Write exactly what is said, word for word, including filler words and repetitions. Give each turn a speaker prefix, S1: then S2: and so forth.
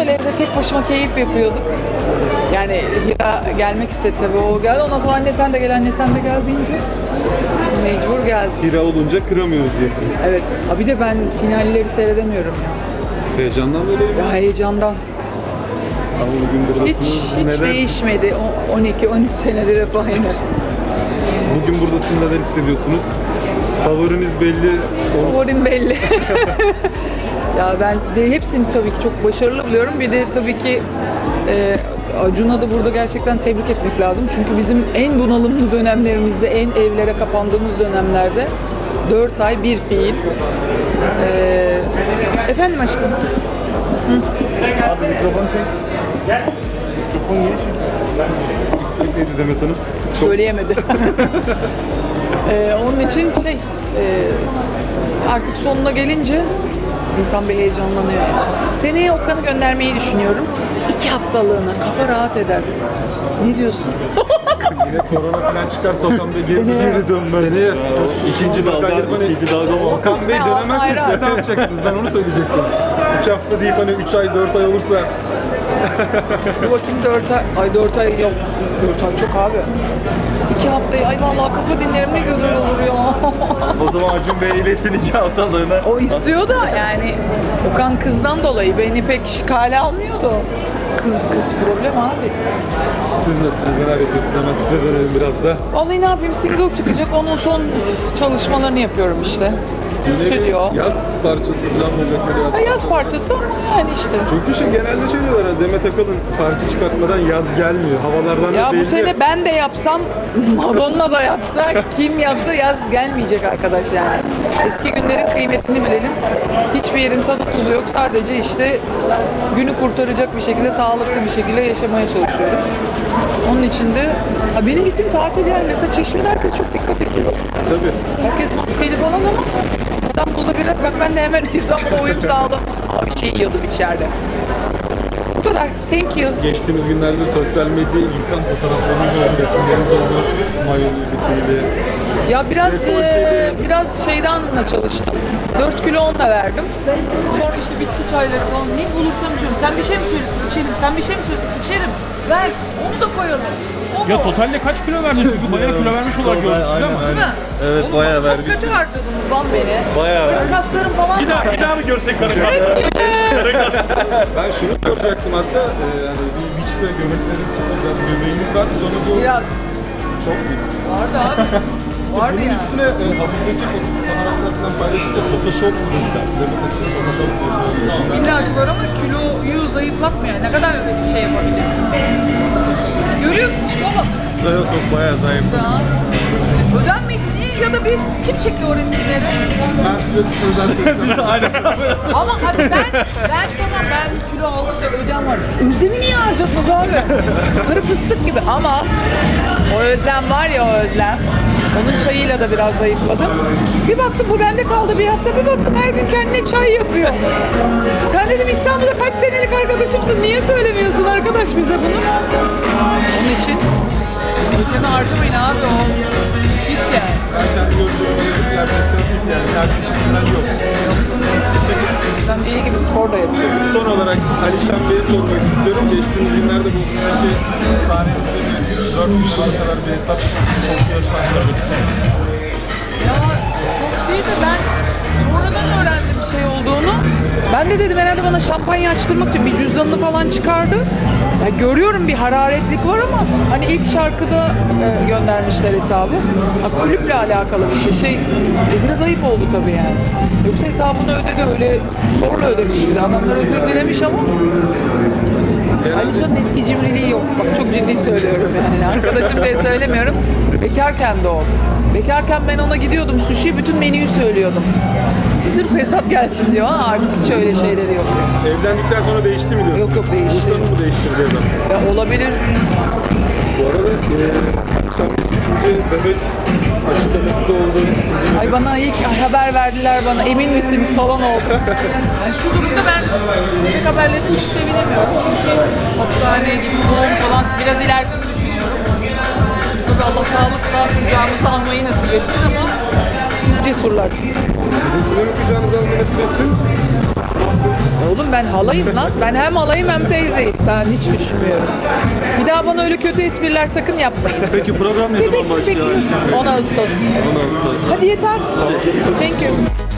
S1: güzel evde tek başıma keyif yapıyordum. Yani Hira gelmek istedi tabii, o geldi. Ondan sonra anne sen de gel, anne sen de gel deyince mecbur geldim.
S2: Hira olunca kıramıyoruz diyorsunuz.
S1: Evet. Ha bir de ben finalleri seyredemiyorum ya.
S2: Heyecandan dolayı mı?
S1: Ya heyecandan.
S2: Ama bugün buradasınız.
S1: Hiç, hiç
S2: Neler-
S1: değişmedi. O- on iki on üç senedir hep aynı.
S2: Bugün buradasınız, neler hissediyorsunuz? Favoriniz belli. Onu-
S1: Favorim belli. Ya ben de hepsini tabii ki çok başarılı buluyorum. Bir de tabii ki e, Acun'a da burada gerçekten tebrik etmek lazım. Çünkü bizim en bunalımlı dönemlerimizde, en evlere kapandığımız dönemlerde dört ay bir fiil. E, efendim aşkım?
S2: Abi mikrofon çek. Gel. Mikrofon niye çek? İstek neydi Demet Hanım? Çok-
S1: Söyleyemedi. Ee, onun için şey, e, artık sonuna gelince insan bir heyecanlanıyor. Yani. Seneye Okan'ı göndermeyi düşünüyorum. İki haftalığına, kafa rahat eder. Ne diyorsun?
S2: Yine korona falan çıkarsa Okan Bey geri,
S1: Seneye-
S2: geri dönmez. Seneye ikinci dalga, ikinci dalga mı? Okan Bey
S1: Ya,
S2: dönemezse
S1: hayır,
S2: siz
S1: hayır.
S2: ne yapacaksınız? Ben onu söyleyecektim. İki hafta deyip hani üç ay, dört ay olursa
S1: Dur bakayım, dört ay, ay dört ay yok. Dört ay çok abi. İki haftayı, ay vallahi kafa dinlerim ne güzel olur ya.
S2: o zaman Acun Bey iletin iki haftalığına.
S1: O istiyor da yani Okan kızdan dolayı beni pek kale almıyordu. Kız kız problem abi.
S2: Siz nasılsınız? Neler yapıyorsunuz? Hemen size dönelim biraz da.
S1: Vallahi ne yapayım, single çıkacak, onun son çalışmalarını yapıyorum işte.
S2: Yine bir
S1: Stüdyo.
S2: Yaz parçası falan olacak böyle yaz.
S1: Ha, yaz parçası ama yani işte.
S2: Çünkü şey genelde şey diyorlar hani Demet Akalın parça çıkartmadan yaz gelmiyor. Havalardan
S1: Ya
S2: da
S1: bu
S2: belli.
S1: sene ben de yapsam, Madonna da yapsa, kim yapsa yaz gelmeyecek arkadaş yani. Eski günlerin kıymetini bilelim. Hiçbir yerin tadı tuzu yok. Sadece işte günü kurtaracak bir şekilde, sağlıklı bir şekilde yaşamaya çalışıyoruz. Onun için de ha benim gittiğim tatil yani mesela Çeşme'de herkes çok dikkat ediyor.
S2: Tabii.
S1: Herkes maskeli falan ama İstanbul'da biraz bak ben de hemen İstanbul'a uyum sağladım. Abi şey yiyordum içeride. Bu kadar. Thank you.
S2: Geçtiğimiz günlerde sosyal medyayı yıkan fotoğraflarınız oldu, resimleriniz oldu. Mayolu, bikiniyle.
S1: Ya biraz e, biraz şeyden çalıştım. dört kilo onunla verdim. Sonra işte bitki çayları falan ne bulursam içiyorum. Sen bir şey mi söylüyorsun? İçerim. Sen bir şey mi söylüyorsun? İçerim. Ver. Onu da koyalım. O
S3: Ya
S1: mu?
S3: totalde kaç kilo verdiniz? Çünkü bayağı kilo vermiş olarak gördük sizi ama.
S1: Değil mi?
S2: Evet,
S1: Oğlum,
S2: bayağı
S1: çok
S2: vermişsin.
S1: kötü harcadınız lan beni.
S2: Bayağı
S1: Böyle
S2: vermişsin.
S1: kaslarım falan
S3: Bir daha,
S1: var.
S3: bir daha mı görsek karı
S2: Ben şunu soracaktım hatta, e, yani bir beach'te göbeklerin içinde biraz göbeğiniz var. Sonra bu
S1: Biraz
S2: çok büyük.
S1: vardı abi.
S2: İşte
S1: Vardı
S2: bunun
S1: yani.
S2: üstüne e, havuzdaki fotoğraflar falan paylaşınca Photoshop mu dediler. Demet Akalın Photoshop diyor.
S1: İlla ki var ama kiloyu zayıflatmıyor. Ne kadar şey yapabilirsin. Görüyorsun işte oğlum.
S2: Yok yok bayağı zayıf.
S1: Ya. Öden miydi? Niye? Ya da bir kim çekti o resimleri?
S2: Ben size özel söyleyeceğim. Aynen.
S1: Ama hadi ben, ben tamam ben kilo almış ve ödem var. Özlem'i niye harcatmaz abi? Karı fıstık gibi ama o özlem var ya, o özlem. Onun çayıyla da biraz zayıfladım. Bir baktım bu bende kaldı bir hafta, bir baktım her gün kendine çay yapıyor. Sen dedim İstanbul'da kaç senelik arkadaşımsın, niye söylemiyorsun arkadaş bize bunu? Onun için özlemi harcamayın abi, o fit yani.
S2: Ben kendi gözlerime dedim gerçekten değil yani. Ters işinden yok.
S1: Ben deli gibi spor da yapıyorum.
S2: Son olarak Alişan Bey'e sormak istiyorum. Geçtiğimiz günlerde bu belki sahnemizde bir dört bin dolara kadar bir hesap çok yaşandı.
S1: Ya çok değil de ben sonradan öğrendim şey olduğunu. Ben de dedim herhalde bana şampanya açtırmak için bir cüzdanını falan çıkardı. Ya görüyorum bir hararetlik var ama hani ilk şarkıda e, göndermişler hesabı. Ha, kulüple alakalı bir şey. Şey e, biraz ayıp oldu tabii yani. Yoksa hesabını ödedi, öyle zorla ödemiş bir de. Adamlar özür dilemiş ama Alişan'ın eski cimriliği yok. Bak çok ciddi söylüyorum yani. Arkadaşım diye söylemiyorum. Bekarken de o. Bekarken ben ona gidiyordum sushi, bütün menüyü söylüyordum. Sırf hesap gelsin diyor ama artık hiç öyle şeyleri yok.
S2: Evlendikten sonra değişti mi diyorsun?
S1: Yok, yok, değişti.
S2: Bursa'nı mı değiştirdi adam?
S1: Ya olabilir.
S2: Bu arada e, Alişan Bey ikinci bebek aşılaması da oldu.
S1: Ay bana ilk haber verdiler bana, emin misiniz falan oldu. Yani şu durumda ben bebek haberlerine çok sevinemiyorum. Çünkü hastaneye gidip doğum falan biraz ilerisini düşünüyorum. Tabii Allah sağlıkla kucağımıza almayı nasip etsin ama cesurlar.
S2: Kimin kucağınıza almayı nasip etsin?
S1: Oğlum ben halayım lan. Ben hem halayım hem teyzeyim. Ben hiç düşünmüyorum. Bir daha bana öyle kötü espriler sakın yapmayın.
S2: Peki program ne zaman başlıyor?
S1: on Ağustos.
S2: on Ağustos.
S1: Hadi yeter. Thank you.